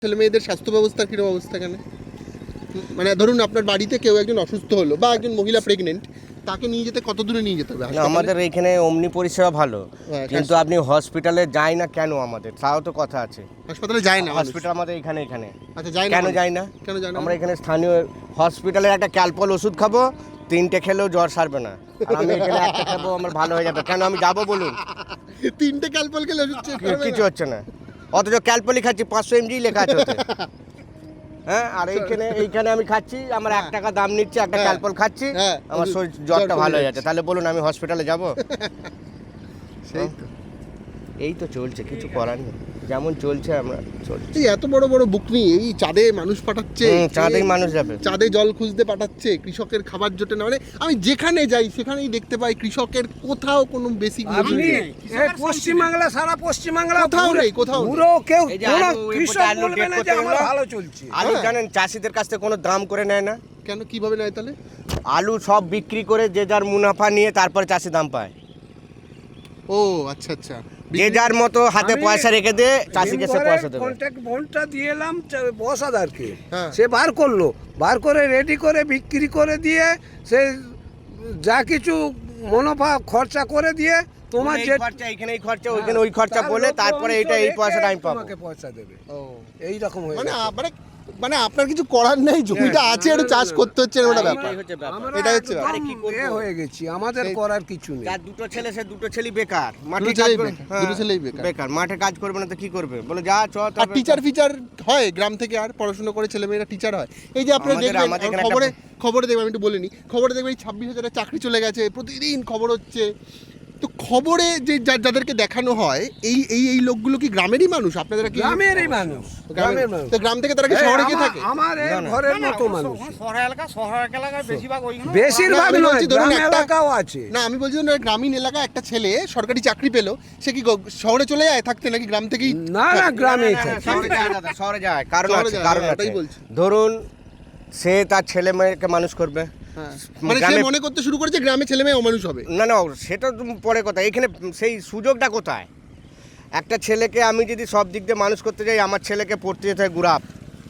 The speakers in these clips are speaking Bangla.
ছেলে মেয়েদের স্বাস্থ্য ব্যবস্থার কিরকম অবস্থা এখানে? মানে ধরুন আপনার বাড়িতে কেউ একজন অসুস্থ হলো বা একজন মহিলা প্রেগনেন্ট, তাকে নিয়ে যেতে কত দূরে নিয়ে যেতে হবে? আমাদের এখানে অমনি পরিষেবা ভালো, কিন্তু আপনি হসপিটালে যাই না কেন? আমাদের তাও তো কথা আছে। হাসপাতালে যায় না হসপিটাল আমাদের এখানে আচ্ছা, যায় না কেন? যায় না কেন? যায় না আমরা এখানে স্থানীয় হসপিটালে একটা ক্যালপল ওষুধ খাবো, 3টে খেলেও জ্বর সারবে না, আর আমি এখানে একটা খাবো আমার ভালো হয়ে যাবে। কেন আমি যাবো বলুন? 3টে ক্যালপল খেলে কিছু হচ্ছে না, অথচ ক্যালপলই খাচ্ছি 500 mg লেখা আছে ওতে। হ্যাঁ, আর এইখানে আমি খাচ্ছি, আমার 1 টাকা দাম নিচ্ছে, একটা ক্যালপল খাচ্ছি, আমার জ্বরটা ভালো হয়ে যাচ্ছে। তাহলে বলুন আমি হসপিটালে যাবো? সেই তো, এই তো চলছে, কিছু করার নেই, যেমন চলছে আমরা চলছে। এই এত বড় বড় বুক নিয়ে এই চাঁদে মানুষ পাঠাচ্ছে, চাঁদেই মানুষ যাবে, চাঁদে জল খুঁজতে পাঠাচ্ছে, কৃষকের খাবার জোটে না। মানে আমি যেখানে যাই সেখানেই দেখতে পাই কৃষকের কোথাও কোনো বেসিক পশ্চিমবাংলা, সারা পশ্চিমবাংলা কোথাও পুরো কেউ কৃষক বলবে না যে আমার ভালো চলছে। আলু জানেন চাষিদের কাছ থেকে কোনো দাম করে নেয় না। কেন, কিভাবে নেয় তাহলে? আলু সব বিক্রি করে যে যার মুনাফা নিয়ে তারপরে চাষি দাম পায়। ও আচ্ছা আচ্ছা, যে যার মতো হাতে পয়সা রেখে দিয়ে চাষিকে সে পয়সা দেবে। কন্ট্যাক্ট বন্ডটা দিয়ে এলাম বসাদারকে, সে বার করলো, বার করে রেডি করে বিক্রি করে দিয়ে সে যা কিছু মুনাফা খরচা করে দিয়ে তোমার যে খরচা এখানে এই খরচা ওইখানে ওই খরচা বলে তারপরে এটা এই পয়সাটা আমি পাবো, তোমাকে পয়সা দেবে। ও এই রকম হয়ে মানে আপনার কিছু করার নেই, জমিটা আছে একটু চাষ করতে হচ্ছে, ওটা ব্যাপার। এটা হচ্ছে হয়ে গেছি, আমাদের করার কিছু নেই। যার দুটো ছেলে সে দুটো ছেলেই বেকার, দুটো ছেলেই বেকার, মাঠে কাজ করবে না তো কি করবে? বলে যা চ। আর টিচার ফিচার হয় গ্রাম থেকে, আর পড়াশোনা করে ছেলে মেয়েরা টিচার হয়। এই যে আপনারা দেখবেন খবরে দেখবেন, আমি একটু বলে নিই, খবরে দেখবেন 26,000 চাকরি চলে গেছে, প্রতিদিন খবর হচ্ছে। তো খবরে যে যাদেরকে দেখানো হয় এই এই এই লোকগুলো কি গ্রামেরই মানুষ? আপনাদের কি গ্রামেরই মানুষ? গ্রামের মানুষ। তো গ্রাম থেকে তারা কি শহরে গিয়ে থাকে? আমার এই ঘরের মতো মানুষ। শহর এলাকায় বেশিরভাগ নয়, গ্রাম এলাকাও আছে। না, আমি বলছি ধরুন গ্রামীণ এলাকা একটা ছেলে সরকারি চাকরি পেলো, সে কি শহরে চলে যায় থাকতে, নাকি গ্রাম থেকেই? না না, গ্রামেই থাকে। শহরে যায়, কারণ আছে। ধরুন সে তার ছেলে মেয়েকে মানুষ করবে, মানে সে মনে করতে শুরু করেছে গ্রামে ছেলে মেয়ে অমানুষ হবে। না, সেটা পরে কথা। এখানে সেই সুযোগটা কোথায়? একটা ছেলেকে আমি যদি সব দিক দিয়ে মানুষ করতে যাই, আমার ছেলেকে পড়তে যেতে হয় গুরাপ,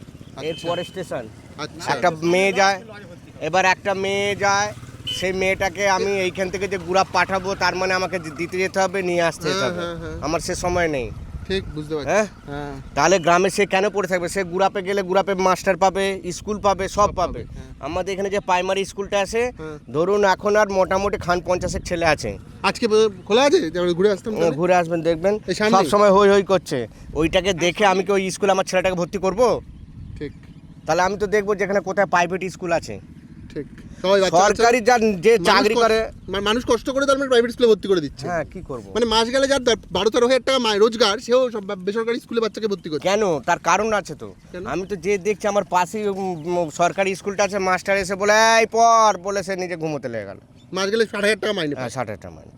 এরপরে স্টেশন। একটা মেয়ে যায়, এবার একটা মেয়ে যায়, সেই মেয়েটাকে আমি এইখান থেকে যে গুরাপ পাঠাবো, তার মানে আমাকে দিতে যেতে হবে, নিয়ে আসতে যেতে হবে, আমার সে সময় নেই। ঠিক, বুঝতে পারছি। হ্যাঁ, তাহলে গ্রামে সে কেন পড়ে থাকবে? সে গুরাপে গেলে গুরাপে মাস্টার পাবে, স্কুল পাবে, সব পাবে। আমাদের এখানে যে প্রাইমারি স্কুলটা আছে, ধরুন এখন আর মোটামুটি 50 ছেলে আছে। আজকে খোলা আছে, ঘুরে আসতাম। ঘুরে আসবেন, দেখবেন সব সময় হই হই করছে। ওইটাকে দেখে আমি কি ওই স্কুলে আমার ছেলেটাকে ভর্তি করব? ঠিক, তাহলে আমি তো দেখবো যেখানে কোথায় প্রাইভেট স্কুল আছে। ঠিক, সরকারি যে চাকরি করে মানুষ কষ্ট করে তার প্রাইভেট স্কুলে ভর্তি করে দিচ্ছে। হ্যাঁ, কি করব? মানে মাস গেলে যার 12-13,000 টাকা রোজগার, সেও সব বেসরকারি স্কুলে বাচ্চাকে ভর্তি করছে। কেন? তার কারণ আছে তো। আমি তো যে দেখছি আমার পাশেই সরকারি স্কুলটা আছে, মাস্টার এসে বলে এই পড় বলে সে নিজে ঘুমোতে লেগে গেল। মাস গেলে 60,000 টাকা মাইনে। হ্যাঁ, 60,000 টাকা মাইনে।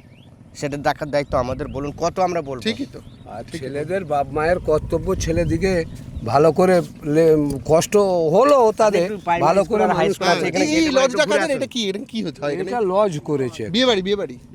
সেটা দেখার দায়িত্ব আমাদের, বলুন কত আমরা বলবো? ঠিকই তো। আর ছেলেদের বাপ মায়ের কর্তব্য ছেলেদিকে ভালো করে কষ্ট হলো তাদের ভালো করে এই লজটা কাদের? এটা কি হচ্ছে? এটা লজ করেছে, বিয়ে বাড়ি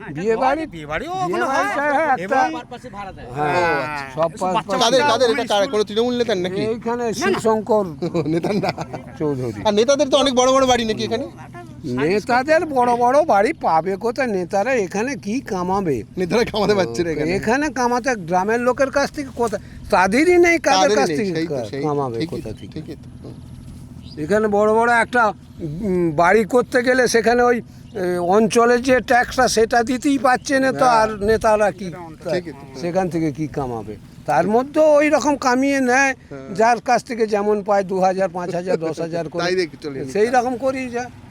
সব কাদের? এটা কোনো তৃণমূল নেতার নাকি? এইখানে শিবশঙ্কর নেতার না, চৌধুরী। আর নেতাদের তো অনেক বড় বড় বাড়ি নাকি এখানে? নেতাদের বড় বড় বাড়ি পাবে কোথায়? নেতারা এখানে কি কামাবে? নেতারা কামাতে পারছে না এখানে কামাতে গ্রামের লোকের কাছ থেকে কোথায়? তাদেরই নেই, কাদের কাছ থেকে কামাবে কোথা থেকে? এখানে বড় বড় একটা বাড়ি করতে গেলে সেখানে ওই অঞ্চলের যে ট্যাক্সটা সেটা দিতেই পারছে না, তো আর নেতারা কি সেখান থেকে কি কামাবে? তার মধ্যে ওই রকম কামিয়ে নেয়, যার কাছ থেকে যেমন পায় 2,000, 5,000, 10,000 করে, সেই রকম করেই যায়।